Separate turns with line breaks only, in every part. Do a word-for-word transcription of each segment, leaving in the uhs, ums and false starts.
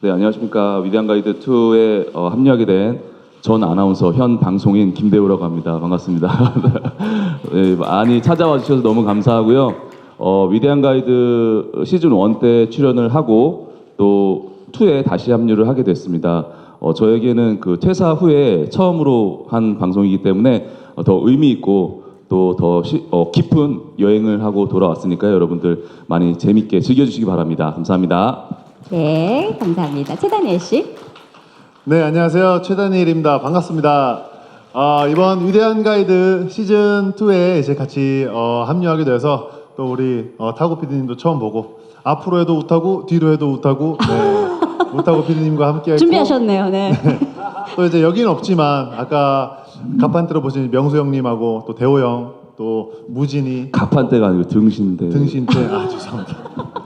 네, 안녕하십니까. 위대한 가이드 투에 어, 합류하게 된 전 아나운서, 현 방송인 김대우라고 합니다. 반갑습니다. 네, 많이 찾아와 주셔서 너무 감사하고요. 어, 위대한 가이드 시즌 원 때 출연을 하고 또 투에 다시 합류를 하게 됐습니다. 어, 저에게는 그 퇴사 후에 처음으로 한 방송이기 때문에 어, 더 의미 있고 또 더 어, 깊은 여행을 하고 돌아왔으니까요. 여러분들 많이 재밌게 즐겨주시기 바랍니다. 감사합니다.
네, 감사합니다. 최다니엘 씨.
네, 안녕하세요. 최다니엘입니다. 반갑습니다. 아, 이번 위대한 가이드 시즌 투에 이제 같이 어, 합류하게 돼서 또 우리 어, 타고 피디님도 처음 보고 앞으로 해도 우타고 뒤로 해도 우타고 네, 우타고 피디님과 함께 했고
준비하셨네요. 네.
네. 또 이제 여기는 없지만 아까 가판대로 보신 명수 형님하고 또 대호 형, 또 무진이
가판대가 아니고 등신대.
등신대 아 죄송합니다.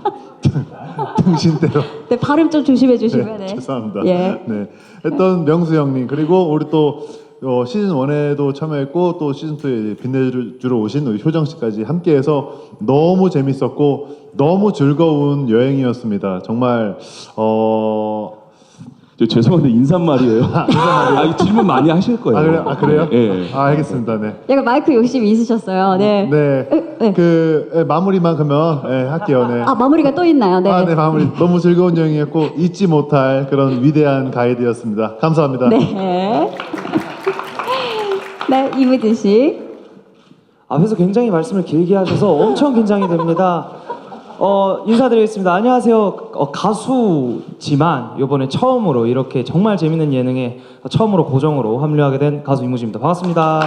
등신대로
네, 발음 좀 조심해 주시면.
네,
네.
죄송합니다.
예.
네, 했던 명수 형님 그리고 우리 또 어, 시즌 원에도 참여했고 또 시즌 투에 빛내주러 오신 우리 효정 씨까지 함께해서 너무 재밌었고 너무 즐거운 여행이었습니다. 정말 어.
저 죄송한데 인사말이에요. 아, 이 질문 많이 하실 거예요.
아, 그래, 아 그래요?
예.
아 알겠습니다. 네.
약간 마이크 욕심이 있으셨어요. 네.
네.
네.
그 예, 마무리만 그러면 예, 할게요. 네.
아, 마무리가 또 있나요? 네.
아, 네, 마무리. 너무 즐거운 여행이었고 잊지 못할 그런 위대한 가이드였습니다. 감사합니다.
네. 네, 이무진 씨.
앞에서 굉장히 말씀을 길게 하셔서 엄청 긴장이 됩니다. 어, 인사드리겠습니다. 안녕하세요. 어, 가수지만 이번에 처음으로 이렇게 정말 재밌는 예능에 처음으로 고정으로 합류하게 된 가수 이무진입니다. 반갑습니다.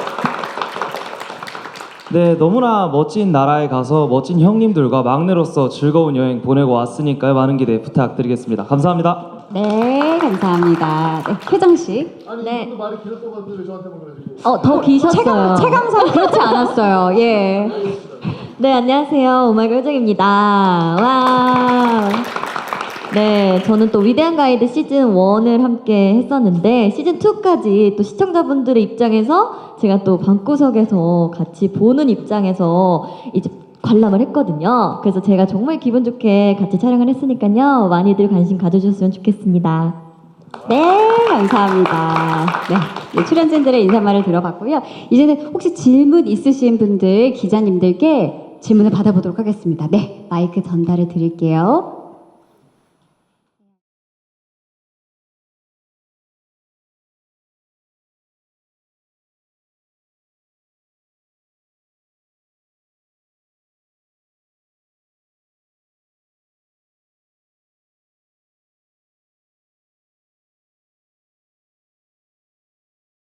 네, 너무나 멋진 나라에 가서 멋진 형님들과 막내로서 즐거운 여행 보내고 왔으니까요. 많은 기대 부탁드리겠습니다. 감사합니다.
네, 감사합니다. 네, 혜정 씨.
아니,
네.
이분도 말이 길었던 것 같은데 왜 저한테만 그러시고.
어, 더 기셨어요. 체감, 체감상 그렇지 않았어요. 예.
네, 안녕하세요. 오마이걸 효정입니다. 와. 네, 저는 또 위대한 가이드 시즌 원을 함께 했었는데 시즌 투까지 또 시청자분들의 입장에서 제가 또 방구석에서 같이 보는 입장에서 이제 관람을 했거든요. 그래서 제가 정말 기분 좋게 같이 촬영을 했으니까요. 많이들 관심 가져주셨으면 좋겠습니다.
네, 감사합니다. 네, 네, 출연진들의 인사말을 들어봤고요. 이제는 혹시 질문 있으신 분들, 기자님들께 질문을 받아보도록 하겠습니다. 네, 마이크 전달해 드릴게요.